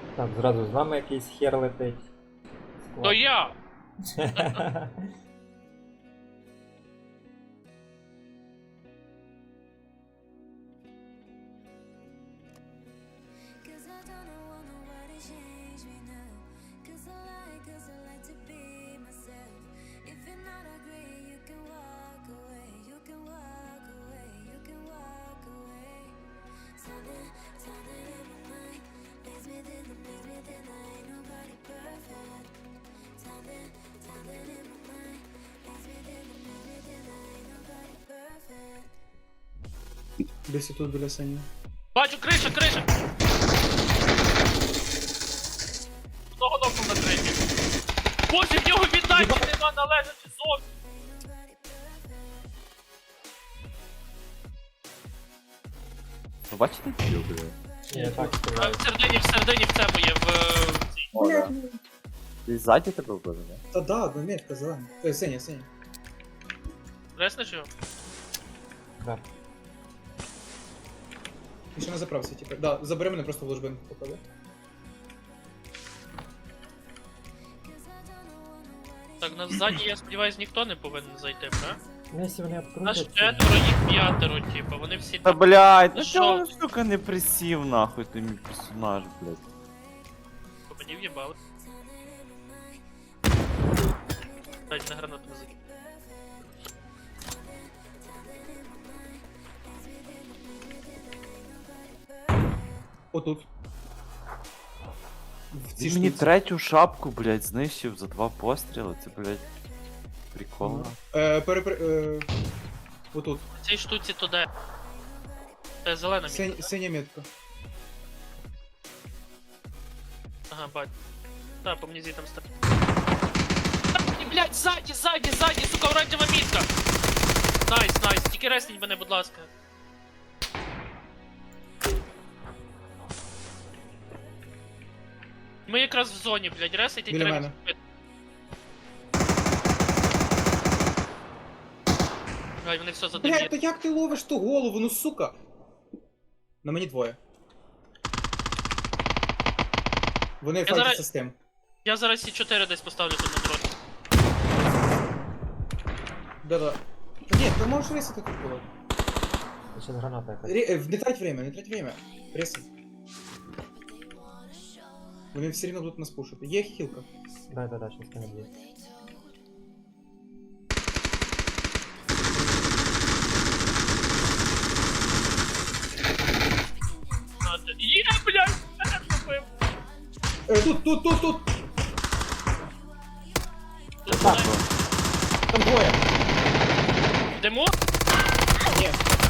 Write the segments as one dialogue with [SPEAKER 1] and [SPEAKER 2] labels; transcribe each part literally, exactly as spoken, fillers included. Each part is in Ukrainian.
[SPEAKER 1] Так, зразу з нами якийсь хер летить.
[SPEAKER 2] То я!
[SPEAKER 3] Десь тут біля Сані.
[SPEAKER 2] Бачу, криша, криша! Одного нокнув на третій. Боже, в нього віддачі нема належачи зовсім!
[SPEAKER 4] Ви бачите кіл, бля?
[SPEAKER 1] Я так
[SPEAKER 2] А
[SPEAKER 1] стріляю.
[SPEAKER 2] в середині, в середині в цьому є, в е, в цій.
[SPEAKER 4] О, да. Ти ззаді тебе вбили, не?
[SPEAKER 3] Та да, одна метка зелена. Ой, Сеня, Сеня.
[SPEAKER 2] Реснеш його?
[SPEAKER 1] Да.
[SPEAKER 3] І ще на заправці, типу. Да, забери мене просто в ложбинку поклади.
[SPEAKER 2] Так, на ззаді, я сподіваюсь, ніхто не повинен зайти, правда?
[SPEAKER 1] Ну, якщо вони
[SPEAKER 2] Нас
[SPEAKER 1] обкрутять...
[SPEAKER 2] четверо, їх п'ятеро, типу, вони всі
[SPEAKER 4] Та
[SPEAKER 2] там.
[SPEAKER 4] блядь, ну
[SPEAKER 2] Що?
[SPEAKER 4] чого, сука, не присів нахуй ти мій персонаж, блядь.
[SPEAKER 2] Мені в'єбали. Дайте на гранату не закинь.
[SPEAKER 3] Отут. В цій
[SPEAKER 4] Він мені
[SPEAKER 3] штуці.
[SPEAKER 4] третю шапку, блядь, знищив за два постріли, це, блядь, прикол.
[SPEAKER 3] Е, пере, пере, е, отут.
[SPEAKER 2] В цій штуці то де? Це зелена мітка.
[SPEAKER 3] Сень, Сеня метка.
[SPEAKER 2] Ага, бать. Так, по мені звідти там стар. Блять, ззаді, ззаді, ззаді, сука, оранжева мітка! Найс, найс, тільки ресніть мене, будь ласка. Ми якраз в зоні, блядь, ресайте і
[SPEAKER 3] Біля
[SPEAKER 2] треба
[SPEAKER 3] мене.
[SPEAKER 2] зробити. Ай, вони все
[SPEAKER 3] Блядь,
[SPEAKER 2] задим'ють.
[SPEAKER 3] то як ти ловиш ту голову, ну сука? На мені двоє. Вони
[SPEAKER 2] зараз-
[SPEAKER 3] файтяться з тим.
[SPEAKER 2] Я зараз Сі чотири десь поставлю тут на дрон.
[SPEAKER 3] Да-да. Та ні, ти можеш рисити тут було.
[SPEAKER 1] Ще граната якась.
[SPEAKER 3] Ре- е, Не трать время, не трать время. Рисай. Вони все рівно будуть нас пушити. Є хілка.
[SPEAKER 1] Да, да, да, щас не б'є.
[SPEAKER 2] Надо. Є, блядь! мене зробив.
[SPEAKER 3] Е, тут, тут, тут, тут!
[SPEAKER 2] Тут
[SPEAKER 1] Так,
[SPEAKER 2] мене-
[SPEAKER 3] Там двоє!
[SPEAKER 2] Йдемо?
[SPEAKER 3] Ні.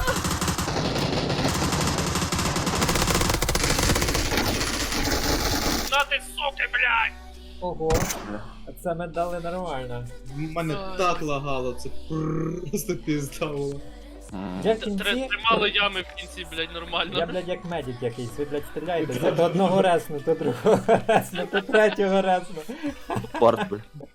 [SPEAKER 2] На ти, суки, блядь!
[SPEAKER 1] Ого, а це ми дали нормально.
[SPEAKER 3] Мене
[SPEAKER 2] Ой.
[SPEAKER 3] так лагало, це просто пізда було.
[SPEAKER 4] М.
[SPEAKER 1] Я в
[SPEAKER 2] Тр-
[SPEAKER 1] кінці...
[SPEAKER 2] Тримало ями в кінці, блядь, нормально.
[SPEAKER 1] Я, блядь, як медик якийсь, ви, блядь, стріляєте, то одного ресну, то другого ресну, то третього ресну.
[SPEAKER 4] Порт, блядь.